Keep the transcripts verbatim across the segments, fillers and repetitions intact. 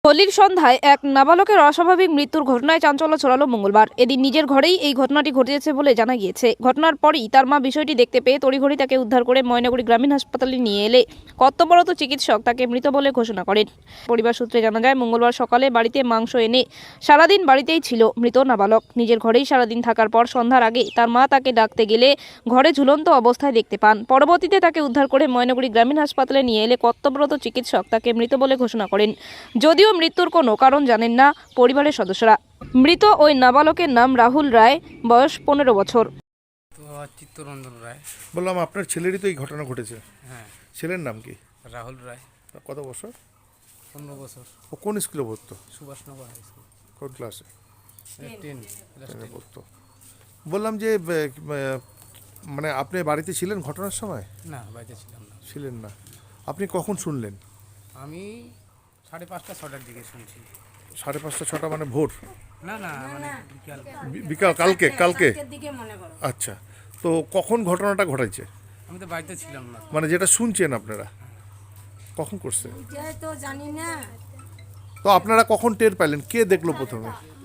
হোলির সন্ধ্যায় এক নাবালকের অস্বাভাবিক মৃত্যুর ঘটনায় চাঞ্চল্য ছড়ালো মঙ্গলবার। এদিন নিজের ঘরেই এই ঘটনাটি ঘটেছে বলে জানা গিয়েছে। ঘটনার পরই তার মা বিষয়টি দেখতে পেয়ে তড়িঘড়ি তাকে উদ্ধার করে ময়নাগুড়ি গ্রামীণ হাসপাতালে নিয়ে এলে কর্তব্যরত চিকিৎসক তাকে মৃত বলে ঘোষণা করেন। পরিবার সূত্রে জানা যায়, মঙ্গলবার সকালে বাড়িতে মাংস এনে সারাদিন বাড়িতেই ছিল মৃত নাবালক। নিজের ঘরেই সারাদিন থাকার পর সন্ধ্যার আগে তার মা তাকে ডাকতে গেলে ঘরে ঝুলন্ত অবস্থায় দেখতে পান। পরবর্তীতে তাকে উদ্ধার করে ময়নাগুড়ি গ্রামীণ হাসপাতালে নিয়ে এলে কর্তব্যরত চিকিৎসক তাকে মৃত বলে ঘোষণা করেন। যদিও মৃত্যুর কোনো কারণ জানেন না পরিবারের সদস্যরা। মৃত ওই নাবালকের নাম রাহুল রায়, বয়স পনেরো বছর। তো চিত্তরঞ্জন রায়। বললাম আপনার ছেলেরই তো এই ঘটনা ঘটেছে। হ্যাঁ, ছেলের নাম কি? রাহুল রায়। কত বছর? পনেরো বছর। ও কোন স্কুলে পড়তো? Subhashnagar high school. কোন ক্লাসে? টেন। টেনে পড়তো। বললাম যে ব, ব, মানে আপনি বাড়িতে ছিলেন ঘটনার সময়? না, বাড়িতে ছিলাম না। ছিলেন না। আপনি কখন শুনলেন? আমি সাড়ে পাঁচটা ছটার দিকে শুনছি। সাড়ে পাঁচটা ছটা মানে ভোর? না না মানে বিকাল। বি- বিকাল কালকে কালকে আচ্ছা, তো কখন ঘটনাটা ঘটাইছে? আমি তো বাড়িতে ছিলাম না। মানে যেটা শুনছেন আপনারা কখন করছে? এটাই তো জানি না। তো আপনারা কখন টের পেলেন? কে দেখলো প্রথমে?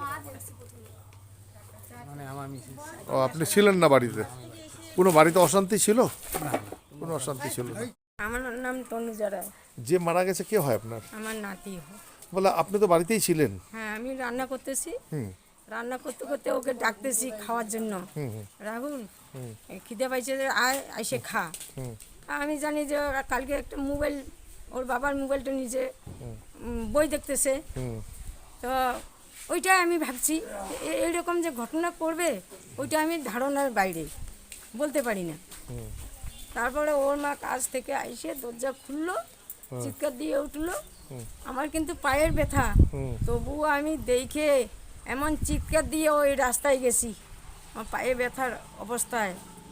মানে আমার মিসেস। ও, আপনি ছিলেন না বাড়িতে? কোনো বাড়িতে অশান্তি ছিল? কোনো অশান্তি ছিল না। আমার নাম তনুজা রায়। যে মারা গেছে কে হয় আপনার? আমার নাতি হয়। বলে আপনি তো বাড়িতেই ছিলেন। হ্যাঁ, আমি রান্না করতেছি। হুম রান্না করতে করতে ওকে ডাকতেছি খাওয়ার জন্য। হুম হুম, রাহুল, এই খিদে পাইছে যে আয় এসে খা। হুম। আমি জানি যে ওরা কালকে একটা মোবাইল, ওর বাবার মোবাইলটা নিজে উম, বই দেখতেছে। হুম। তো ওইটাই আমি ভাবছি এ- এইরকম যে ঘটনা করবে ওইটা আমি ধারণার বাইরে, বলতে পারি না। তারপরে ওর মা কাজ থেকে আইসে দরজা খুললো, চিৎকার দিয়ে উঠলো। আমার কিন্তু পায়ের ব্যথা, তবুও আমি দেখে এমন চিৎকার দিয়ে ওই রাস্তায় গেছি আমার পায়ে ব্যথার অবস্থায়।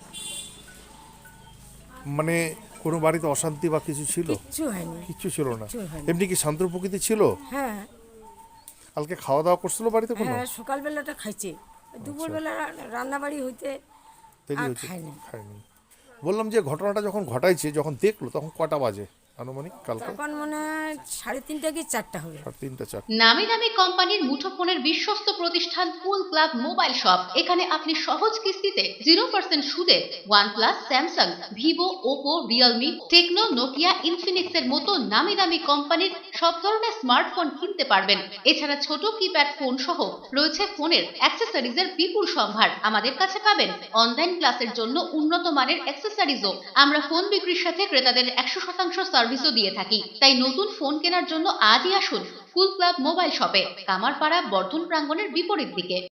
মানে কোনো বাড়িতে অশান্তি বা কিছু ছিল? কিচ্ছু হয়নি। কিচ্ছু ছিল না। কিচ্ছু হয়নি। এমনি কি শান্ত প্রকৃতি ছিল? হ্যাঁ কালকে খাওয়া দাওয়া করছিল বাড়িতে কোনো? হ্যাঁ, সকালবেলাটা খাইছে, দুপুরবেলা রান্নাবাড়ি হইতে দেরি আর হয়েছে? খায়নি। খায়নি। বললাম যে ঘটনাটা যখন ঘটাইছে, যখন দেখলো তখন কটা বাজে আনুমানিক? কালকে তখন মনে হয় সাড়ে তিনটা কি চারটা হবে। সাড়ে তিনটা চার। নামি দামি কোম্পানির মুঠোফোনের বিশ্বস্ত প্রতিষ্ঠান কুল ক্লাব মোবাইল শপ। এখানে আপনি সহজ কিস্তিতে জিরো পার্সেন্ট সুদে OnePlus, Samsung, Vivo, Oppo, Realme, Tecno, Nokia, Infinix এর মতো নামি দামি কোম্পানির সব ধরনের স্মার্টফোন কিনতে পারবেন। এছাড়া ছোট কিপ্যাড ফোন সহ রয়েছে ফোনের অ্যাক্সেসরিজের বিপুল সম্ভার। আমাদের কাছে পাবেন অনলাইন ক্লাসের জন্য উন্নত মানের অ্যাক্সেসরিজও। আমরা ফোন বিক্রির সাথে ক্রেতাদের একশো শতাংশ সার্ভিসও দিয়ে থাকি। তাই নতুন ফোন কেনার জন্য আজই আসুন কুল ক্লাব মোবাইল শপে, কামারপাড়া বর্ধন প্রাঙ্গণের বিপরীত দিকে।